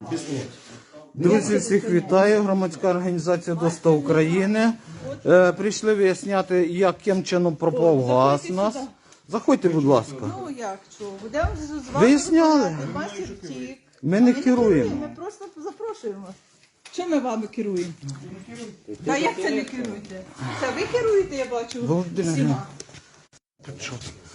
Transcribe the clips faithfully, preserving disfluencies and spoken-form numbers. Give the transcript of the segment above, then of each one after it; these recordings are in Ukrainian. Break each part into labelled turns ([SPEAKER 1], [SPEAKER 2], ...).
[SPEAKER 1] Друзі, всіх вітаю. Громадська організація ДОСТА України. Е, прийшли виясняти, яким чином пропав газ у нас. Заходьте, будь ласка.
[SPEAKER 2] Ну як, що? Будемо з вами
[SPEAKER 1] Виясняли.
[SPEAKER 2] розмовляти. Масі втік.
[SPEAKER 1] Ми не
[SPEAKER 2] Ми
[SPEAKER 1] керуємо.
[SPEAKER 2] Ми просто запрошуємо. Чим ми вами керуємо? Та як це не керуєте? Це ви керуєте, я бачу,
[SPEAKER 1] Володимир,
[SPEAKER 2] всіма.
[SPEAKER 1] Що?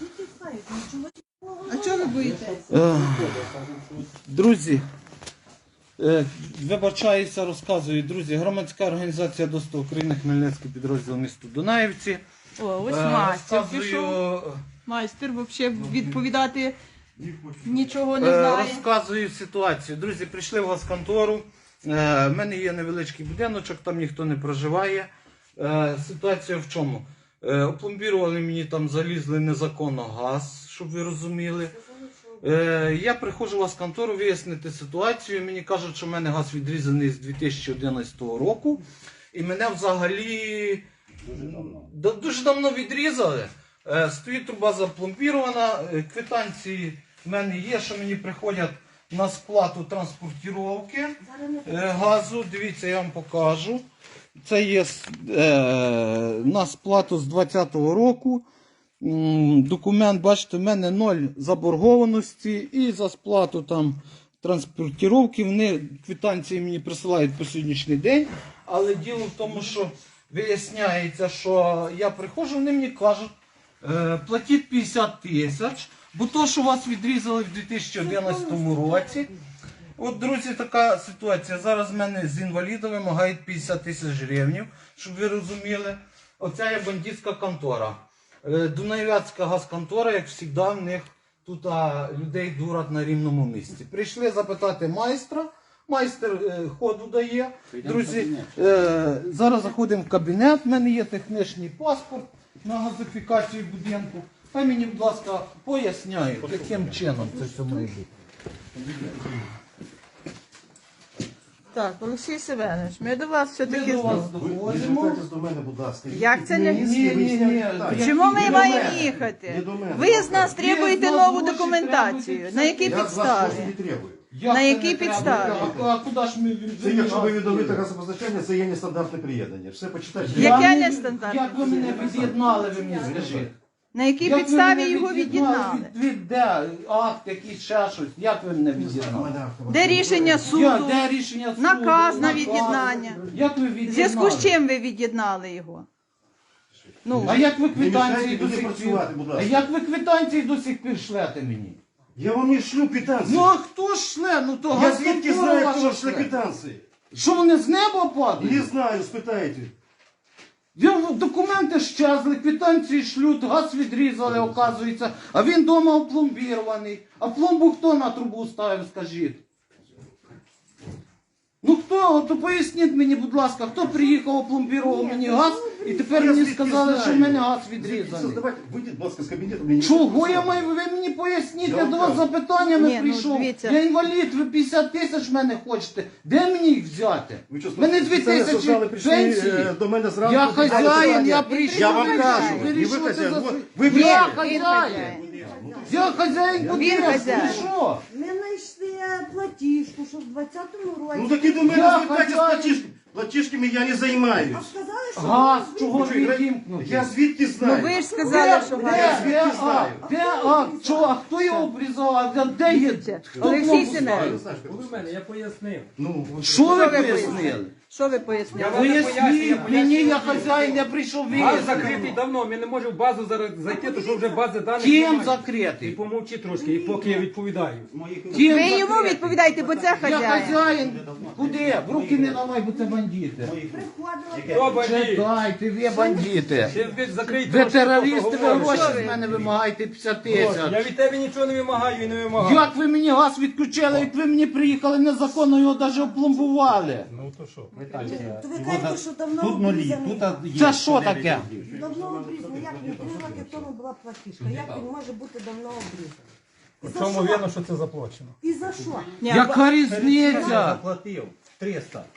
[SPEAKER 2] А чого ви боїтесь?
[SPEAKER 1] Е, Друзі, е, вибачаюся, розказую. Друзі, громадська організація ДОСТА України, Хмельницький підрозділ місто Дунаївці.
[SPEAKER 2] О, ось
[SPEAKER 1] Е,
[SPEAKER 2] майстер
[SPEAKER 1] розказую,
[SPEAKER 2] пішов. Майстер взагалі відповідати нічого не
[SPEAKER 1] Е,
[SPEAKER 2] знає.
[SPEAKER 1] Розказую ситуацію. Друзі, прийшли в газконтору. Е, в мене є невеличкий будиночок, там ніхто не проживає. Е, ситуація в чому? Е, опломбірували мені, там залізли незаконно газ, щоб ви розуміли. Е, я приходжу в газконтору вияснити ситуацію. Мені кажуть, що в мене газ відрізаний з дві тисячі одинадцятого року. І мене взагалі дуже давно, дуже давно відрізали. Е, стоїть труба запломбірована, е, квитанції в мене є, що мені приходять на сплату транспортировки е, газу. Дивіться, я вам покажу. Це є е, на сплату з двадцятого року. М, Документ, бачите, в мене ноль заборгованості і за сплату там транспортировки. Вони квитанції мені присилають по сьогоднішній день. Але діло в тому, що виясняється, що я приходжу, вони мені кажуть, е, платіть п'ятдесят тисяч, бо то, що вас відрізали в дві тисячі одинадцятому році. От, друзі, така ситуація. Зараз в мене з інваліда вимагають п'ятдесят тисяч гривень, щоб ви розуміли. Оця є бандитська контора. Е, Дунаєвецька газконтора, як завжди, в них тут а, людей дурять на рівному місці. Прийшли запитати майстра. Майстер е, ходу дає. Друзі, е, зараз заходимо в кабінет. У мене є технічний паспорт на газифікацію будинку. Хай мені, будь ласка, поясняють, яким чином це все має бути.
[SPEAKER 2] Так, Олексій Семенович, ми до вас
[SPEAKER 1] Ми
[SPEAKER 2] все-таки...
[SPEAKER 1] до вас
[SPEAKER 3] Ви
[SPEAKER 1] доходимо.
[SPEAKER 3] звертайтесь до мене, будь ласка.
[SPEAKER 2] Як це не-
[SPEAKER 1] Ні, ні, ні.
[SPEAKER 2] Чому ми
[SPEAKER 1] Не до
[SPEAKER 2] маємо
[SPEAKER 1] мене.
[SPEAKER 2] їхати?
[SPEAKER 3] Не до мене.
[SPEAKER 2] Ви з нас
[SPEAKER 1] Ви
[SPEAKER 2] требуєте
[SPEAKER 1] з нас
[SPEAKER 2] нову
[SPEAKER 1] гроші
[SPEAKER 2] документацію.
[SPEAKER 1] требуєте.
[SPEAKER 2] На якій
[SPEAKER 3] Я з вас
[SPEAKER 2] підставі?
[SPEAKER 3] гроші не требую.
[SPEAKER 1] Як
[SPEAKER 2] На
[SPEAKER 1] це
[SPEAKER 2] якій
[SPEAKER 1] не треба?
[SPEAKER 2] підставі?
[SPEAKER 1] А, а куди ж ми
[SPEAKER 3] Це якщо ви відновите газопостачання, це є нестандартне приєднання. Все почитайте.
[SPEAKER 2] Я- Яке
[SPEAKER 1] Я не-
[SPEAKER 2] нестандартне?
[SPEAKER 1] Як ви мене від'єднали, ви мені скажіть?
[SPEAKER 2] На якій
[SPEAKER 1] Як ви
[SPEAKER 2] підставі
[SPEAKER 1] мене
[SPEAKER 2] його від'єднали?
[SPEAKER 1] Від, від де? Акт, якийсь ще щось. Як ви мене від'єднали?
[SPEAKER 2] Де рішення
[SPEAKER 1] Я,
[SPEAKER 2] суду?
[SPEAKER 1] де рішення суду?
[SPEAKER 2] Наказ на від'єднання.
[SPEAKER 1] Як ви
[SPEAKER 2] В
[SPEAKER 1] від'єднали?
[SPEAKER 2] зв'язку з чим ви від'єднали його? Ну,
[SPEAKER 1] А як ви
[SPEAKER 3] Не
[SPEAKER 1] квитанції
[SPEAKER 3] мішайте
[SPEAKER 1] до
[SPEAKER 3] мені
[SPEAKER 1] сих пір?
[SPEAKER 3] працювати, будь ласка.
[SPEAKER 1] А як ви квитанції до сих пір шлете мені?
[SPEAKER 3] Я вам не шлю квитанції.
[SPEAKER 1] Ну а хто ж шле? Ну то
[SPEAKER 3] Я звідки
[SPEAKER 1] газконтора
[SPEAKER 3] знаю,
[SPEAKER 1] ваша
[SPEAKER 3] хто шле
[SPEAKER 1] шле.
[SPEAKER 3] квитанції?
[SPEAKER 1] Що вони з неба
[SPEAKER 3] Не
[SPEAKER 1] падають?
[SPEAKER 3] знаю, спитайте.
[SPEAKER 1] Я- Документи щезли, квитанції шлють, газ відрізали, оказується, а він вдома опломбірований. А пломбу хто на трубу ставив, скажіть? Ну хто? То поясніть мені, будь ласка, хто приїхав, опломбірував мені газ, і тепер
[SPEAKER 3] Я
[SPEAKER 1] мені
[SPEAKER 3] звідки
[SPEAKER 1] сказали,
[SPEAKER 3] знаю?
[SPEAKER 1] що в мене газ
[SPEAKER 3] Звідки
[SPEAKER 1] відрізаний.
[SPEAKER 3] Давайте, вийдіть, будь ласка, з кабінету. мені не
[SPEAKER 1] Чого
[SPEAKER 3] треба
[SPEAKER 1] я
[SPEAKER 3] працювати.
[SPEAKER 1] маю, ви мені поясніть,
[SPEAKER 3] Я
[SPEAKER 1] я
[SPEAKER 3] вам
[SPEAKER 1] до вас
[SPEAKER 3] кажу.
[SPEAKER 1] запитаннями
[SPEAKER 2] Ні, ну,
[SPEAKER 1] прийшов.
[SPEAKER 2] дивіться.
[SPEAKER 1] Я інвалід, ви п'ятдесят тисяч в мене хочете. Де мені їх взяти?
[SPEAKER 3] Ви що,
[SPEAKER 1] В мене дві
[SPEAKER 3] спеціально
[SPEAKER 1] тисячі
[SPEAKER 3] создали, прийшли,
[SPEAKER 1] пенсії.
[SPEAKER 3] е, до мене зранку.
[SPEAKER 1] Я
[SPEAKER 3] підняли
[SPEAKER 1] хазяїн,
[SPEAKER 3] питання.
[SPEAKER 1] я прийшов.
[SPEAKER 3] Я вам
[SPEAKER 1] ви
[SPEAKER 3] кажу,
[SPEAKER 1] вирішили,
[SPEAKER 3] і ви
[SPEAKER 1] що це
[SPEAKER 3] хазяїн.
[SPEAKER 1] за-
[SPEAKER 3] Вот, ви
[SPEAKER 1] Я
[SPEAKER 3] вирішили.
[SPEAKER 1] хазяїн.
[SPEAKER 2] хазяїн.
[SPEAKER 1] Я хазяїн
[SPEAKER 2] Він
[SPEAKER 1] будинку,
[SPEAKER 2] хазяїн.
[SPEAKER 1] ви що?
[SPEAKER 4] Ми знайшли платіжку, що в двадцятому році.
[SPEAKER 3] Ну так і до мене
[SPEAKER 1] Я
[SPEAKER 3] звертайтесь з
[SPEAKER 1] хазяїн.
[SPEAKER 3] платіжками. Платіжками я не
[SPEAKER 4] А
[SPEAKER 3] займаюсь.
[SPEAKER 4] сказали, що
[SPEAKER 1] Газ,
[SPEAKER 4] ви
[SPEAKER 1] чого
[SPEAKER 3] Ви що,
[SPEAKER 1] відімкнути?
[SPEAKER 3] Я звідки
[SPEAKER 2] Ну
[SPEAKER 3] знаю?
[SPEAKER 2] ви ж сказали, що
[SPEAKER 1] Де,
[SPEAKER 2] ви...
[SPEAKER 1] де, де,
[SPEAKER 3] звідки
[SPEAKER 1] а,
[SPEAKER 3] знаю?
[SPEAKER 1] де, а, що, а хто його обрізав, а де- де є? Хто
[SPEAKER 2] Олексій
[SPEAKER 1] пломбу
[SPEAKER 2] Семенович.
[SPEAKER 1] ставив?
[SPEAKER 3] Я знаю, що
[SPEAKER 5] Були в мене, я пояснив.
[SPEAKER 3] Ну,
[SPEAKER 1] Що ви
[SPEAKER 2] ви
[SPEAKER 1] пояснили?
[SPEAKER 2] Що ви пояснили?
[SPEAKER 5] Я вам не пояснюю, я
[SPEAKER 1] Поясніть,
[SPEAKER 5] пояснюю.
[SPEAKER 1] мені я хазяїн, я прийшов
[SPEAKER 5] Газ
[SPEAKER 1] вияснити.
[SPEAKER 5] закритий давно, ми не можемо в базу зараз зайти, тому що вже бази даних
[SPEAKER 1] Ким
[SPEAKER 5] немає. І
[SPEAKER 1] закритий?
[SPEAKER 5] помовчи трошки, і поки я відповідаю.
[SPEAKER 1] Ким
[SPEAKER 2] Ви йому
[SPEAKER 1] закритий?
[SPEAKER 2] відповідаєте, бо це
[SPEAKER 1] Я
[SPEAKER 2] хазяїн.
[SPEAKER 1] хазяїн. Куди? В руки не давай, бо це бандити.
[SPEAKER 4] приходили.
[SPEAKER 5] Хто бандит?
[SPEAKER 1] Чекайте, ви бандити.
[SPEAKER 5] Ще ви закрийте
[SPEAKER 1] Ви
[SPEAKER 5] трошки,
[SPEAKER 1] терористи, ви
[SPEAKER 5] поговоримо.
[SPEAKER 1] гроші
[SPEAKER 2] Що ви?
[SPEAKER 1] з мене вимагаєте п'ятдесят
[SPEAKER 5] Гроші. Я
[SPEAKER 1] тисяч.
[SPEAKER 5] від тебе нічого не вимагаю і не вимагаю.
[SPEAKER 1] Як ви мені газ відключили, як ви мені приїхали незаконно, його навіть опломбували?
[SPEAKER 5] Ну то що?
[SPEAKER 4] То ви кажете, що давно обрізаний.
[SPEAKER 1] Це що таке?
[SPEAKER 4] Давно обрізаний. Як він три роки тому була платіжка? Як він може бути давно обрізаний? І за
[SPEAKER 5] Чому
[SPEAKER 4] що?
[SPEAKER 5] видно, що це заплачено?
[SPEAKER 4] І за що?
[SPEAKER 2] Ні,
[SPEAKER 1] Яка різниця?
[SPEAKER 6] Заплатив триста.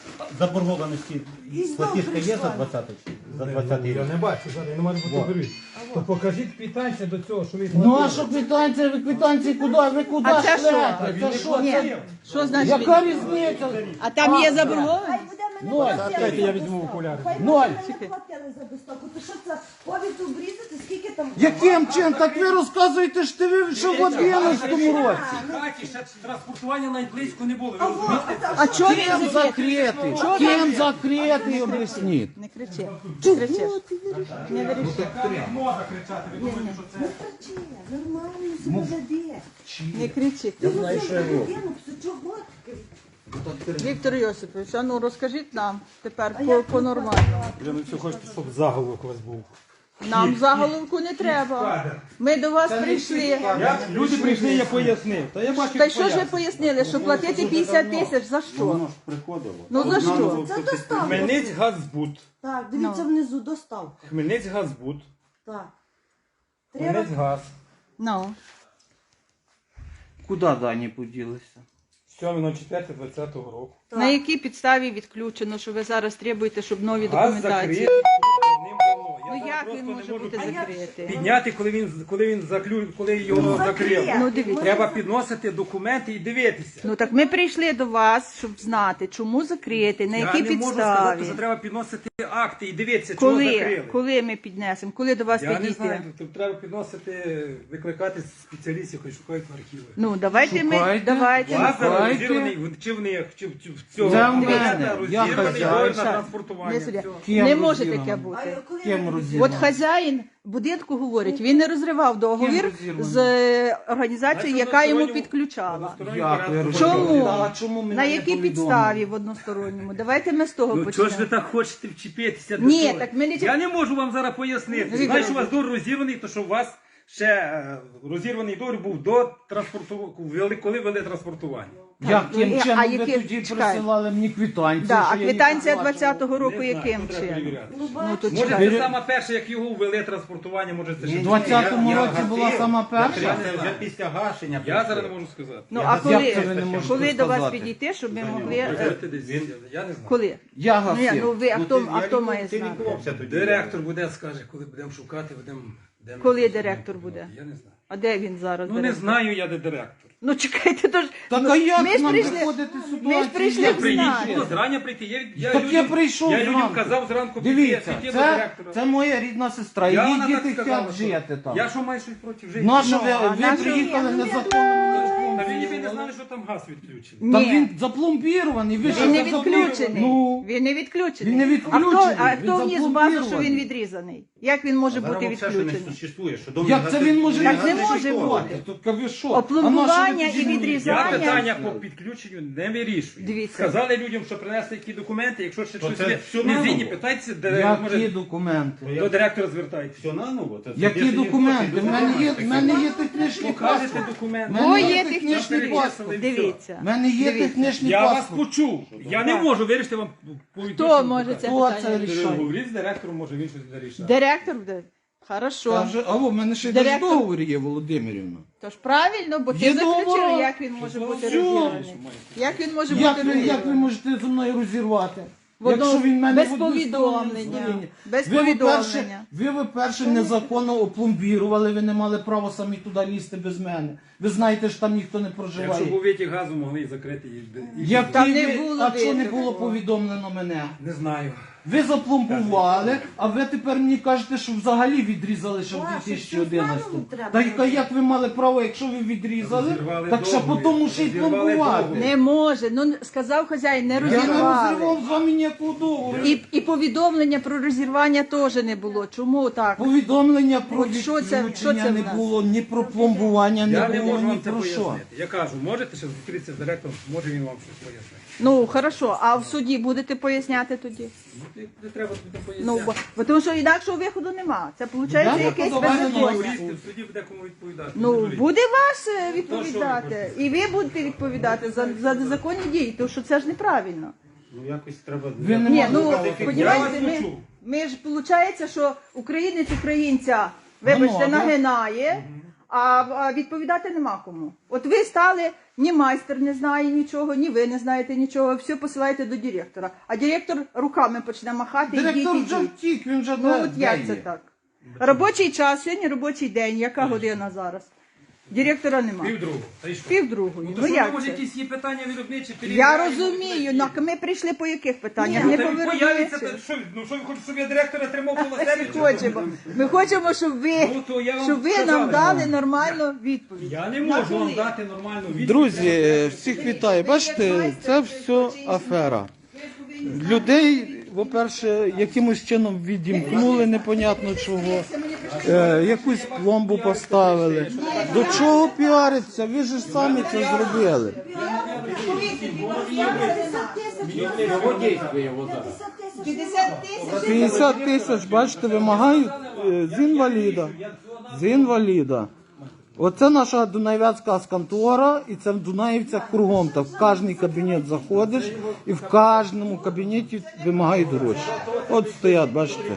[SPEAKER 6] заборгованості
[SPEAKER 4] І знов
[SPEAKER 6] платіжка є
[SPEAKER 4] прийшла.
[SPEAKER 6] за двадцятий? За двадцятий
[SPEAKER 5] Я
[SPEAKER 6] рік?
[SPEAKER 5] не бачу, зараз я не можу фотографувати. То покажіть квитанцію до цього, що ви
[SPEAKER 1] Ну а що квитанція, ви квитанції куди? Ви куди
[SPEAKER 2] А це що?
[SPEAKER 1] шлете? Це що?
[SPEAKER 2] Ні.
[SPEAKER 1] Це...
[SPEAKER 2] Що значить?
[SPEAKER 1] Яка різниця?
[SPEAKER 2] А там є заборгованість?
[SPEAKER 4] Хай буде мене
[SPEAKER 1] Ноль.
[SPEAKER 4] платили
[SPEAKER 5] Чекайте,
[SPEAKER 4] за
[SPEAKER 5] я візьму
[SPEAKER 4] доставку.
[SPEAKER 5] окуляри.
[SPEAKER 4] Хай
[SPEAKER 1] Ноль.
[SPEAKER 4] буде мене платили за доставку. То що це повід обрізати, скільки там?
[SPEAKER 1] Яким чином? Так ви розказуєте, що ви ще в одинадцятому році.
[SPEAKER 5] хаті ще транспортування навіть близько не було. Ви
[SPEAKER 4] Ого,
[SPEAKER 5] розумієте?
[SPEAKER 4] а це-
[SPEAKER 2] А чого
[SPEAKER 1] Ким
[SPEAKER 2] він закритий?
[SPEAKER 1] закритий? Ким закритий, об'ясніть.
[SPEAKER 2] Не кричи. Чи кричиш? Не вирішуй.
[SPEAKER 5] Можна кричати, ви думаєте, що це...
[SPEAKER 4] Кричи, нормально себе веде.
[SPEAKER 2] Не кричи.
[SPEAKER 4] Ти знаю, що людину, чого ти?
[SPEAKER 2] Віктор Йосипович, а ну розкажіть нам тепер по, по нормальному.
[SPEAKER 5] Я не все хочете, щоб заголовок у вас був.
[SPEAKER 2] Нам заголовку не треба. Ми до вас прийшли.
[SPEAKER 5] Я, люди прийшли, я пояснив. Та я бачу,
[SPEAKER 2] Та й що ж ви пояснили, що платити п'ятдесят тисяч за що?
[SPEAKER 6] Приходило.
[SPEAKER 2] Ну за що?
[SPEAKER 4] Це доставка.
[SPEAKER 5] Хмельниць Газбуд.
[SPEAKER 4] Так, дивіться
[SPEAKER 2] Ну.
[SPEAKER 4] внизу, доставка.
[SPEAKER 5] Хмельниць Газбуд.
[SPEAKER 4] Так. Треба.
[SPEAKER 5] Хмельниць Газ.
[SPEAKER 2] Ну.
[SPEAKER 1] Куди дані поділися?
[SPEAKER 5] сьоме четверте двадцятого року.
[SPEAKER 2] На якій підставі відключено, що ви зараз требуєте, щоб нові
[SPEAKER 5] Газ
[SPEAKER 2] документації?
[SPEAKER 5] закритий давним-давно. Я
[SPEAKER 2] Ну
[SPEAKER 5] зараз
[SPEAKER 2] як
[SPEAKER 5] просто
[SPEAKER 2] він
[SPEAKER 5] не
[SPEAKER 2] може
[SPEAKER 5] можу
[SPEAKER 2] бути
[SPEAKER 5] під-
[SPEAKER 2] закритий?
[SPEAKER 5] Підняти, коли він, коли він заклю, коли його закрили.
[SPEAKER 2] Ну дивіться.
[SPEAKER 5] Треба підносити документи і дивитися.
[SPEAKER 2] Ну так ми прийшли до вас, щоб знати, чому закрити, на якій
[SPEAKER 5] Я не можу сказати, що
[SPEAKER 2] підставі.
[SPEAKER 5] треба підносити акти і дивитися, чого
[SPEAKER 2] Коли?
[SPEAKER 5] закрили.
[SPEAKER 2] Коли ми піднесемо? Коли до вас
[SPEAKER 5] Я не
[SPEAKER 2] підійти?
[SPEAKER 5] знаю, тут треба підносити, викликати спеціалістів, хай шукають в архіви.
[SPEAKER 2] Ну давайте ми
[SPEAKER 1] Шукайте.
[SPEAKER 2] давайте.
[SPEAKER 5] Власне,
[SPEAKER 1] Шукайте.
[SPEAKER 5] розірваний, чи в них, чи в чи в цього
[SPEAKER 1] Це в
[SPEAKER 5] абонента
[SPEAKER 1] мене. Я
[SPEAKER 5] розірваний
[SPEAKER 1] хазяїн.
[SPEAKER 5] договір на
[SPEAKER 2] Саша,
[SPEAKER 5] транспортування.
[SPEAKER 2] Не, суддя.
[SPEAKER 5] Все.
[SPEAKER 1] Ким
[SPEAKER 2] Не може
[SPEAKER 1] розірвано?
[SPEAKER 2] таке
[SPEAKER 4] А
[SPEAKER 2] бути.
[SPEAKER 4] коли
[SPEAKER 1] Ким
[SPEAKER 4] ви-
[SPEAKER 1] розірвано?
[SPEAKER 2] От хазяїн будинку говорить, він не розривав договір
[SPEAKER 1] Ким розірвано?
[SPEAKER 2] з е, організацією,
[SPEAKER 5] Значить,
[SPEAKER 2] яка йому
[SPEAKER 5] односторонньому-
[SPEAKER 2] підключала.
[SPEAKER 5] односторонньому
[SPEAKER 1] Як ви
[SPEAKER 5] порядку.
[SPEAKER 2] Чому?
[SPEAKER 1] А чому мене
[SPEAKER 2] На
[SPEAKER 1] не
[SPEAKER 2] якій
[SPEAKER 1] повідомили?
[SPEAKER 2] підставі в односторонньому? Давайте ми з того
[SPEAKER 5] Ну чого ж ви
[SPEAKER 2] почнемо.
[SPEAKER 5] так хочете вчепитися до
[SPEAKER 2] Ні,
[SPEAKER 5] цього?
[SPEAKER 2] так ми не-
[SPEAKER 5] Я не можу вам зараз пояснити.
[SPEAKER 2] Віктор
[SPEAKER 5] Знаєш, що у вас
[SPEAKER 2] Володимирович.
[SPEAKER 5] договір розірваний, то що у вас ще е, розірваний договір був до транспортування, коли вели транспортування.
[SPEAKER 1] Яким
[SPEAKER 2] Ну,
[SPEAKER 1] чином
[SPEAKER 2] а
[SPEAKER 1] ви
[SPEAKER 2] які-
[SPEAKER 1] тоді
[SPEAKER 2] чекай.
[SPEAKER 1] присилали мені квитанцію?
[SPEAKER 2] Да,
[SPEAKER 1] що
[SPEAKER 2] а
[SPEAKER 1] я їх
[SPEAKER 2] квитанція
[SPEAKER 1] оплачував?
[SPEAKER 2] двадцятого року
[SPEAKER 5] Не знаю,
[SPEAKER 2] яким
[SPEAKER 5] то треба
[SPEAKER 2] чином?
[SPEAKER 5] перевіряти.
[SPEAKER 4] Ну,
[SPEAKER 2] Ну, то
[SPEAKER 5] Може,
[SPEAKER 2] чекай.
[SPEAKER 5] це саме перше, як його ввели транспортування, може це ще
[SPEAKER 1] В двадцятому
[SPEAKER 6] Я- я
[SPEAKER 1] році була
[SPEAKER 6] гасив.
[SPEAKER 1] сама перша?
[SPEAKER 6] Я вже- вже після гашення.
[SPEAKER 5] Я зараз не можу сказати.
[SPEAKER 2] Ну
[SPEAKER 6] Я
[SPEAKER 2] а
[SPEAKER 6] не
[SPEAKER 2] коли,
[SPEAKER 1] знаю, як це ви не можете
[SPEAKER 2] коли до вас
[SPEAKER 1] сказати.
[SPEAKER 2] підійти, щоб ми могли.
[SPEAKER 5] Ви
[SPEAKER 2] е,
[SPEAKER 5] говорите десь, Я не знаю.
[SPEAKER 2] Коли?
[SPEAKER 1] Я
[SPEAKER 2] Ну, я, ну
[SPEAKER 1] гасив.
[SPEAKER 2] ви, а
[SPEAKER 6] Ну,
[SPEAKER 2] хто,
[SPEAKER 6] ти-
[SPEAKER 2] а
[SPEAKER 6] я
[SPEAKER 2] хто
[SPEAKER 6] лікував-
[SPEAKER 2] має
[SPEAKER 6] ти
[SPEAKER 2] знати?
[SPEAKER 6] лікувався тоді.
[SPEAKER 5] Директор буде, скаже, коли будемо шукати, будемо... будемо-
[SPEAKER 2] Коли директор буде?
[SPEAKER 5] Я не знаю.
[SPEAKER 2] А де він зараз?
[SPEAKER 5] Ну не
[SPEAKER 2] директор?
[SPEAKER 5] знаю я, де директор.
[SPEAKER 2] Ну чекайте, то ж.
[SPEAKER 1] Так
[SPEAKER 2] ну,
[SPEAKER 1] а як
[SPEAKER 2] ми ж
[SPEAKER 1] нам
[SPEAKER 2] прийшли-
[SPEAKER 1] виходити з
[SPEAKER 2] Ми ж
[SPEAKER 1] ситуації?
[SPEAKER 2] прийшли
[SPEAKER 1] Як
[SPEAKER 2] в
[SPEAKER 5] Приїдь,
[SPEAKER 2] знати.
[SPEAKER 5] було зрання прийти. Я, я,
[SPEAKER 1] Так
[SPEAKER 5] людям,
[SPEAKER 1] я прийшов
[SPEAKER 5] я людям
[SPEAKER 1] зранку.
[SPEAKER 5] казав зранку піти,
[SPEAKER 1] Дивіться,
[SPEAKER 5] піти до
[SPEAKER 1] це,
[SPEAKER 5] директора.
[SPEAKER 1] це моя рідна сестра.
[SPEAKER 5] Я
[SPEAKER 1] Її
[SPEAKER 5] вона так
[SPEAKER 1] діти
[SPEAKER 5] сказала,
[SPEAKER 1] хочуть
[SPEAKER 5] що-
[SPEAKER 1] жити там.
[SPEAKER 5] Я що маю щось проти жити?
[SPEAKER 1] Нащо ви,
[SPEAKER 2] а
[SPEAKER 1] ви
[SPEAKER 2] нащо-
[SPEAKER 1] приїхали
[SPEAKER 4] Ні, ну,
[SPEAKER 1] незаконно?
[SPEAKER 5] Та ви, ви не знали, що там газ відключений.
[SPEAKER 1] Та
[SPEAKER 2] Ні.
[SPEAKER 1] він запломбірований. Ви що,
[SPEAKER 2] Він не
[SPEAKER 1] запломбірований?
[SPEAKER 2] відключений.
[SPEAKER 1] Ну,
[SPEAKER 2] Він не відключений.
[SPEAKER 1] Він не
[SPEAKER 2] А
[SPEAKER 1] відключений,
[SPEAKER 2] хто, а
[SPEAKER 1] він
[SPEAKER 2] хто вніс базу, що
[SPEAKER 1] заблокований.
[SPEAKER 2] він відрізаний? Як він може
[SPEAKER 6] Зараз
[SPEAKER 2] бути
[SPEAKER 6] взагалі, що не
[SPEAKER 2] відключений?
[SPEAKER 6] существує, що дом
[SPEAKER 1] як це він може
[SPEAKER 2] Так не
[SPEAKER 1] відключити?
[SPEAKER 2] може бути.
[SPEAKER 1] Так ви що?
[SPEAKER 2] Опломбування
[SPEAKER 1] А на що ви
[SPEAKER 2] і
[SPEAKER 1] тоді мені?
[SPEAKER 2] відрізання.
[SPEAKER 5] Я питання по підключенню не вирішую.
[SPEAKER 2] Дивіться.
[SPEAKER 5] Сказали людям, що принесли які документи, якщо ще
[SPEAKER 6] То
[SPEAKER 5] щось
[SPEAKER 6] це
[SPEAKER 5] не
[SPEAKER 6] все
[SPEAKER 5] не
[SPEAKER 6] наново.
[SPEAKER 5] згідні, питайтеся, де,
[SPEAKER 1] Які
[SPEAKER 5] може,
[SPEAKER 1] документи?
[SPEAKER 5] до директора звертайтеся.
[SPEAKER 6] Все наново. Це
[SPEAKER 1] Які
[SPEAKER 6] більше ніхто
[SPEAKER 1] документи?
[SPEAKER 6] не
[SPEAKER 1] В мене є,
[SPEAKER 6] дозволяє.
[SPEAKER 1] в мене є технічний
[SPEAKER 5] Покажете
[SPEAKER 1] паспорт.
[SPEAKER 5] документи.
[SPEAKER 1] Мене
[SPEAKER 2] О,
[SPEAKER 1] є
[SPEAKER 2] є
[SPEAKER 1] технічний
[SPEAKER 2] технічний
[SPEAKER 1] паспорт.
[SPEAKER 5] паспорт.
[SPEAKER 2] Дивіться.
[SPEAKER 1] В мене є
[SPEAKER 2] Дивіться.
[SPEAKER 1] технічний
[SPEAKER 5] Я вас
[SPEAKER 1] паспорт.
[SPEAKER 5] почув. Я не
[SPEAKER 2] Так.
[SPEAKER 5] можу вирішити вам повідомити.
[SPEAKER 2] Хто може це
[SPEAKER 1] Хто це
[SPEAKER 2] питання
[SPEAKER 1] рішає?
[SPEAKER 2] рішити?
[SPEAKER 5] Говоріть з директором, може він щось буде рішати.
[SPEAKER 2] Директор буде? Хорошо.
[SPEAKER 1] Каже, алло, в мене ще й
[SPEAKER 2] Директор-
[SPEAKER 1] договір є, Володимирівна.
[SPEAKER 2] Тож правильно, бо ти
[SPEAKER 1] Є
[SPEAKER 2] заключив,
[SPEAKER 1] договор.
[SPEAKER 2] як він може бути
[SPEAKER 1] Все.
[SPEAKER 2] розірваний. Як він може
[SPEAKER 1] Як
[SPEAKER 2] бути
[SPEAKER 1] ви, як ви
[SPEAKER 2] розірваний?
[SPEAKER 1] можете зі мною розірвати?
[SPEAKER 2] В одну-
[SPEAKER 1] Якщо він мене
[SPEAKER 2] без
[SPEAKER 1] в одну
[SPEAKER 2] повідомлення.
[SPEAKER 1] сторону
[SPEAKER 2] Без
[SPEAKER 1] ви, по-перше,
[SPEAKER 2] повідомлення.
[SPEAKER 1] ви, по-перше, незаконно опломбірували, ви не мали права самі туди лізти без мене. Ви знаєте, що там ніхто не
[SPEAKER 5] Якщо
[SPEAKER 1] проживає.
[SPEAKER 5] був витік газу, могли і закрити її. і-
[SPEAKER 1] Як
[SPEAKER 2] Там
[SPEAKER 1] ви-
[SPEAKER 2] не було
[SPEAKER 1] а чого не
[SPEAKER 2] витоку.
[SPEAKER 1] було повідомлено мене?
[SPEAKER 5] Не знаю.
[SPEAKER 1] Ви запломбували, а ви тепер мені кажете, що взагалі відрізали ще в
[SPEAKER 4] Ваше,
[SPEAKER 1] дві тисячі одинадцятому.
[SPEAKER 4] що заново треба
[SPEAKER 1] Та яка-
[SPEAKER 4] робити?
[SPEAKER 1] як ви мали право, якщо ви відрізали,
[SPEAKER 5] Розірвали
[SPEAKER 1] так ще
[SPEAKER 5] договір.
[SPEAKER 1] потім ще й
[SPEAKER 5] Розірвали
[SPEAKER 1] пломбувати.
[SPEAKER 5] договір.
[SPEAKER 2] Не може. Ну сказав хазяїн, не
[SPEAKER 1] Я не
[SPEAKER 2] розірвали.
[SPEAKER 1] розривав з вами ніякого договору.
[SPEAKER 2] І, і повідомлення про розірвання теж не було. Чому так?
[SPEAKER 1] Повідомлення про
[SPEAKER 2] От що це- що
[SPEAKER 1] відключення
[SPEAKER 2] це в
[SPEAKER 1] не
[SPEAKER 2] нас?
[SPEAKER 1] було, ні про пломбування,
[SPEAKER 5] Я
[SPEAKER 1] не
[SPEAKER 5] не
[SPEAKER 1] було,
[SPEAKER 5] можу
[SPEAKER 1] ні
[SPEAKER 5] вам це
[SPEAKER 1] про що.
[SPEAKER 5] пояснити. Я кажу, можете ще зустрітися з директором, може він вам щось пояснить.
[SPEAKER 2] Ну хорошо, а в суді будете поясняти тоді?
[SPEAKER 5] Ну, не- не треба тут поясняти.
[SPEAKER 2] Ну бо, бо тому що інакшого виходу нема. Це виходить
[SPEAKER 1] Да?
[SPEAKER 2] якесь
[SPEAKER 1] Ну, давай
[SPEAKER 2] беззаконня.
[SPEAKER 5] Юристи в суді буде кому відповідати. не
[SPEAKER 2] Ну
[SPEAKER 5] дуріть.
[SPEAKER 2] буде вас е, відповідати, і ви будете відповідати за, за незаконні дії, тому що це ж неправильно.
[SPEAKER 6] Ну якось треба...
[SPEAKER 1] Ви не
[SPEAKER 2] Ні,
[SPEAKER 1] можете
[SPEAKER 2] ну
[SPEAKER 1] сказати,
[SPEAKER 5] Я
[SPEAKER 2] понімаєте,
[SPEAKER 5] вас
[SPEAKER 2] ми,
[SPEAKER 5] почув.
[SPEAKER 2] ми ж виходить, що українець українця, вибачте,
[SPEAKER 1] Ну, ну,
[SPEAKER 2] нагинає, а, а відповідати нема кому. От ви стали, ні майстер не знає нічого, ні ви не знаєте нічого, все посилаєте до директора. А директор руками почне махати,
[SPEAKER 1] Директор
[SPEAKER 2] ідіть,
[SPEAKER 1] вже
[SPEAKER 2] ідіть.
[SPEAKER 1] втік, він вже
[SPEAKER 2] Ну
[SPEAKER 1] де-
[SPEAKER 2] от
[SPEAKER 1] де
[SPEAKER 2] як
[SPEAKER 1] є?
[SPEAKER 2] це так? Робочий час, сьогодні робочий день, яка година зараз? Директора нема.
[SPEAKER 5] Півдругу. Та й що?
[SPEAKER 2] Півдругої.
[SPEAKER 5] Ну,
[SPEAKER 2] Ну
[SPEAKER 5] то що,
[SPEAKER 2] як
[SPEAKER 5] може,
[SPEAKER 2] це?
[SPEAKER 5] якісь є питання виробничі?
[SPEAKER 2] Я
[SPEAKER 5] перевіряємо,
[SPEAKER 2] розумію,
[SPEAKER 5] які?
[SPEAKER 2] ну, ми прийшли по яких питаннях?
[SPEAKER 5] Ну,
[SPEAKER 2] Не
[SPEAKER 5] та
[SPEAKER 2] по
[SPEAKER 5] він появиться,
[SPEAKER 2] виробничих.
[SPEAKER 5] та що, ну що ви хочете, щоб я директора тримав коло себе? чи
[SPEAKER 2] Хочемо. Ми хочемо, щоб ви,
[SPEAKER 5] Ну, то я вам
[SPEAKER 2] щоб ви
[SPEAKER 5] сказав,
[SPEAKER 2] нам дали
[SPEAKER 5] я-
[SPEAKER 2] нормальну відповідь.
[SPEAKER 5] Я не
[SPEAKER 2] На
[SPEAKER 5] можу вам
[SPEAKER 2] коли?
[SPEAKER 5] дати нормальну відповідь.
[SPEAKER 1] Друзі, е, всіх вітаю. Бачите, це все афера. Людей, по-перше, якимось чином відімкнули, непонятно чого. Е, якусь пломбу поставили. До чого піариться? Ви ж самі це зробили.
[SPEAKER 2] п'ятдесят тисяч.
[SPEAKER 1] п'ятдесят тисяч, бачите, вимагають е, з інваліда. З інваліда. Оце наша Дунаєвецька контора, і це в Дунаївцях кругом. Так в кожний кабінет заходиш, і в кожному кабінеті вимагають гроші. От стоять, бачите.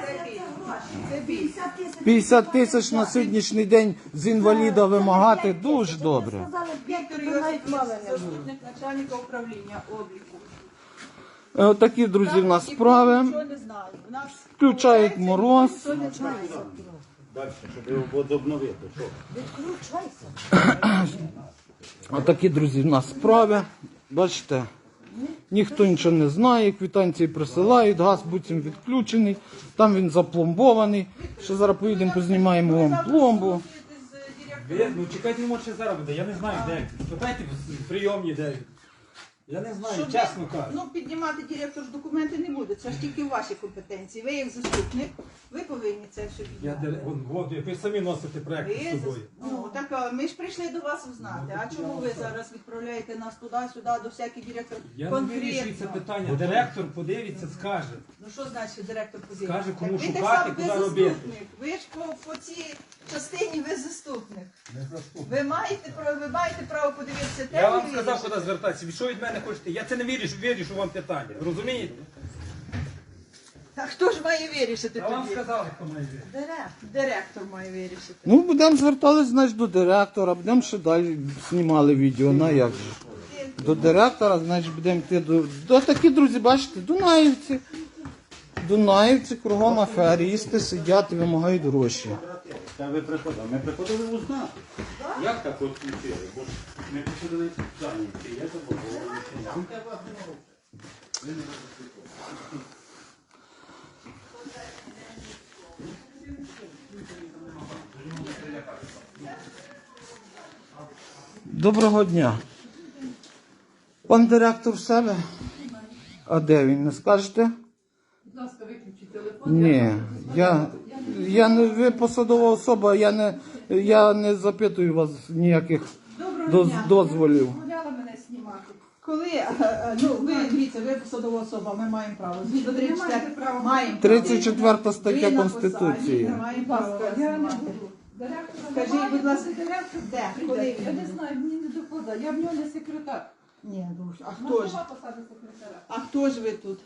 [SPEAKER 1] п'ятдесят тисяч на сьогоднішній день з інваліда вимагати дуже добре.
[SPEAKER 2] Віктор Йосипович, заступник начальника управління обліку.
[SPEAKER 1] Е, Отакі, друзі, в нас справи.
[SPEAKER 2] Нічого не знаю. У нас
[SPEAKER 1] Включають мороз.
[SPEAKER 2] ніхто не знає.
[SPEAKER 6] Далі, щоб його возобновити. Що?
[SPEAKER 1] Отакі, друзі, в нас справи. Бачите, ніхто нічого не знає, квитанції присилають, газ буцім відключений, там він запломбований. Ще зараз поїдемо, познімаємо вам пломбу.
[SPEAKER 5] Ви, ну чекайте, не може ще зараз буде, я не знаю, де він. Питайте в прийомні, де він. Я не знаю,
[SPEAKER 2] Щоб
[SPEAKER 5] чесно
[SPEAKER 2] ви-
[SPEAKER 5] кажу.
[SPEAKER 2] Ну, піднімати директор ж документи не буде, це ж тільки в вашій компетенції. Ви як заступник, ви повинні це все
[SPEAKER 5] Я,
[SPEAKER 2] піднімати.
[SPEAKER 5] де- вон, вон, ви самі носите проект
[SPEAKER 2] Ви
[SPEAKER 5] з
[SPEAKER 2] зас-
[SPEAKER 5] собою.
[SPEAKER 2] Ну, так а, ми ж прийшли до вас узнати. А чому ви зараз відправляєте нас туди-сюди, до всяких директорів?
[SPEAKER 5] Я не вирішую це питання. Директор подивиться, скаже.
[SPEAKER 2] Ну що значить директор позиції?
[SPEAKER 5] Скаже, кому
[SPEAKER 2] Так ви так
[SPEAKER 5] шукати,
[SPEAKER 2] само, ви
[SPEAKER 5] куди робити.
[SPEAKER 2] заступник. Ви ж по, по цій частині ви заступник. Ви маєте право, ви маєте право подивитися те,
[SPEAKER 5] Я вам
[SPEAKER 2] і
[SPEAKER 5] сказав,
[SPEAKER 2] вирішити.
[SPEAKER 5] куди звертатися. Ви що від мене хочете? Я це не вирішу, вирішу вам питання. Розумієте?
[SPEAKER 2] А хто ж має вирішити
[SPEAKER 5] Я вам
[SPEAKER 2] тоді?
[SPEAKER 5] сказав, хто має вирішити.
[SPEAKER 2] Директор. Директор має вирішити.
[SPEAKER 1] Ну, будемо звертатись, значить, до директора, будемо ще далі знімали відео, на як же. До директора, значить, будемо йти до... До такі, друзі, бачите, дунаївці. Дунаївці кругом аферісти сидять і вимагають гроші.
[SPEAKER 6] Та ви приходили. Ми приходили узнати. Як так от включили? Бо ж ми приходили зайняті. Я забув.
[SPEAKER 1] Доброго дня. Пан директор в себе? А де він? Не скажете?
[SPEAKER 7] Будь ласка, виключіть телефон.
[SPEAKER 1] Ні. Я, я не ви посадова особа, я не, я не запитую вас ніяких доз, дозволів.
[SPEAKER 2] Дозволяла мене знімати. Коли, е, е, ну, ви, дивіться, ви посадова особа, ми маємо право. Згідно тридцять четвертого маємо право.
[SPEAKER 1] тридцять четверта
[SPEAKER 2] Ви
[SPEAKER 1] стаття
[SPEAKER 2] на
[SPEAKER 1] Конституції.
[SPEAKER 2] посаді, Маємо право вас
[SPEAKER 7] Я не
[SPEAKER 2] знімати.
[SPEAKER 7] буду. Директора
[SPEAKER 2] Скажіть,
[SPEAKER 7] немає,
[SPEAKER 2] будь ласка,
[SPEAKER 7] директор
[SPEAKER 2] де?
[SPEAKER 7] прийде.
[SPEAKER 2] Коли
[SPEAKER 7] Я
[SPEAKER 2] він
[SPEAKER 7] не
[SPEAKER 2] буде?
[SPEAKER 7] знаю, мені не доходить. Я в нього не секретар.
[SPEAKER 2] Ні, ну, а
[SPEAKER 7] У
[SPEAKER 2] хто
[SPEAKER 7] нас
[SPEAKER 2] ж?
[SPEAKER 7] нема посади секретаря.
[SPEAKER 2] А хто ж ви тут?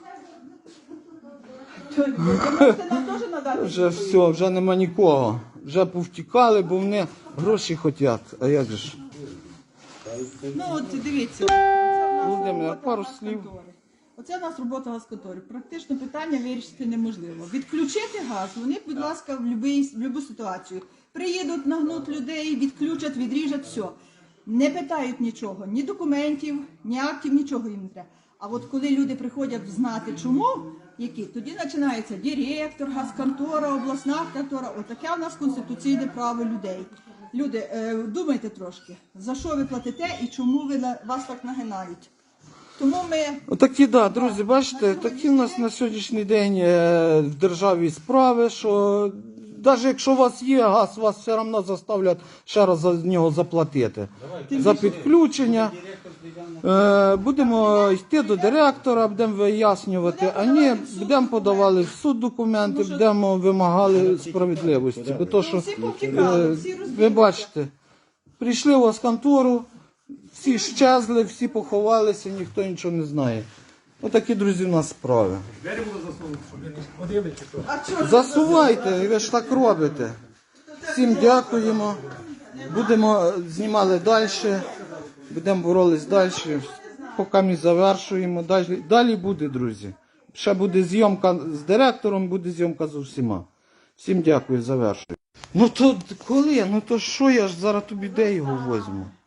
[SPEAKER 2] То- Ви можете нам теж надати?
[SPEAKER 1] Вже
[SPEAKER 2] відповідь?
[SPEAKER 1] все, вже нема нікого. Вже повтікали, бо вони гроші хочуть. А як же ж?
[SPEAKER 2] Ну, от дивіться. Оце в нас
[SPEAKER 1] Володимир,
[SPEAKER 2] робота
[SPEAKER 1] пару
[SPEAKER 2] газконтори.
[SPEAKER 1] слів.
[SPEAKER 2] Оце в нас робота газконтори. Практично питання вирішити неможливо. Відключити газ, вони, будь ласка, в будь-яку ситуацію. Приїдуть, нагнуть людей, відключать, відріжуть, все. Не питають нічого, ні документів, ні актів, нічого їм не треба. А от коли люди приходять знати чому, які, тоді починається директор, газконтора, обласна контора. Отаке в нас конституційне право людей. Люди, е, думайте трошки, за що ви платите і чому ви на- вас так нагинають. Тому ми
[SPEAKER 1] Отакі, да, друзі, бачите, такі в нас на сьогоднішній день е, в державі справи, що навіть якщо у вас є газ, вас все одно заставлять ще раз за нього заплатити. За підключення. Е, будемо йти до директора, будемо вияснювати, а ні, будемо подавали в суд документи, будемо вимагали справедливості. Бо то, що,
[SPEAKER 2] всі повтікали,
[SPEAKER 1] е,
[SPEAKER 2] всі
[SPEAKER 1] ви
[SPEAKER 2] розбігли.
[SPEAKER 1] бачите, прийшли у вас контору, всі щезли, всі поховалися, ніхто нічого не знає. Отакі, друзі, в нас справи.
[SPEAKER 5] Двері були засунуті, щоб ви не ходили чи що.
[SPEAKER 2] А чого ж ви
[SPEAKER 1] Засувайте, ви ж так робите. Всім дякуємо. Будемо знімали далі. Будемо боролись далі. Поки ми завершуємо. Далі, далі буде, друзі. Ще буде зйомка з директором, буде зйомка з усіма. Всім дякую, завершую. Ну то коли? Ну то що я ж зараз тобі де його возьму?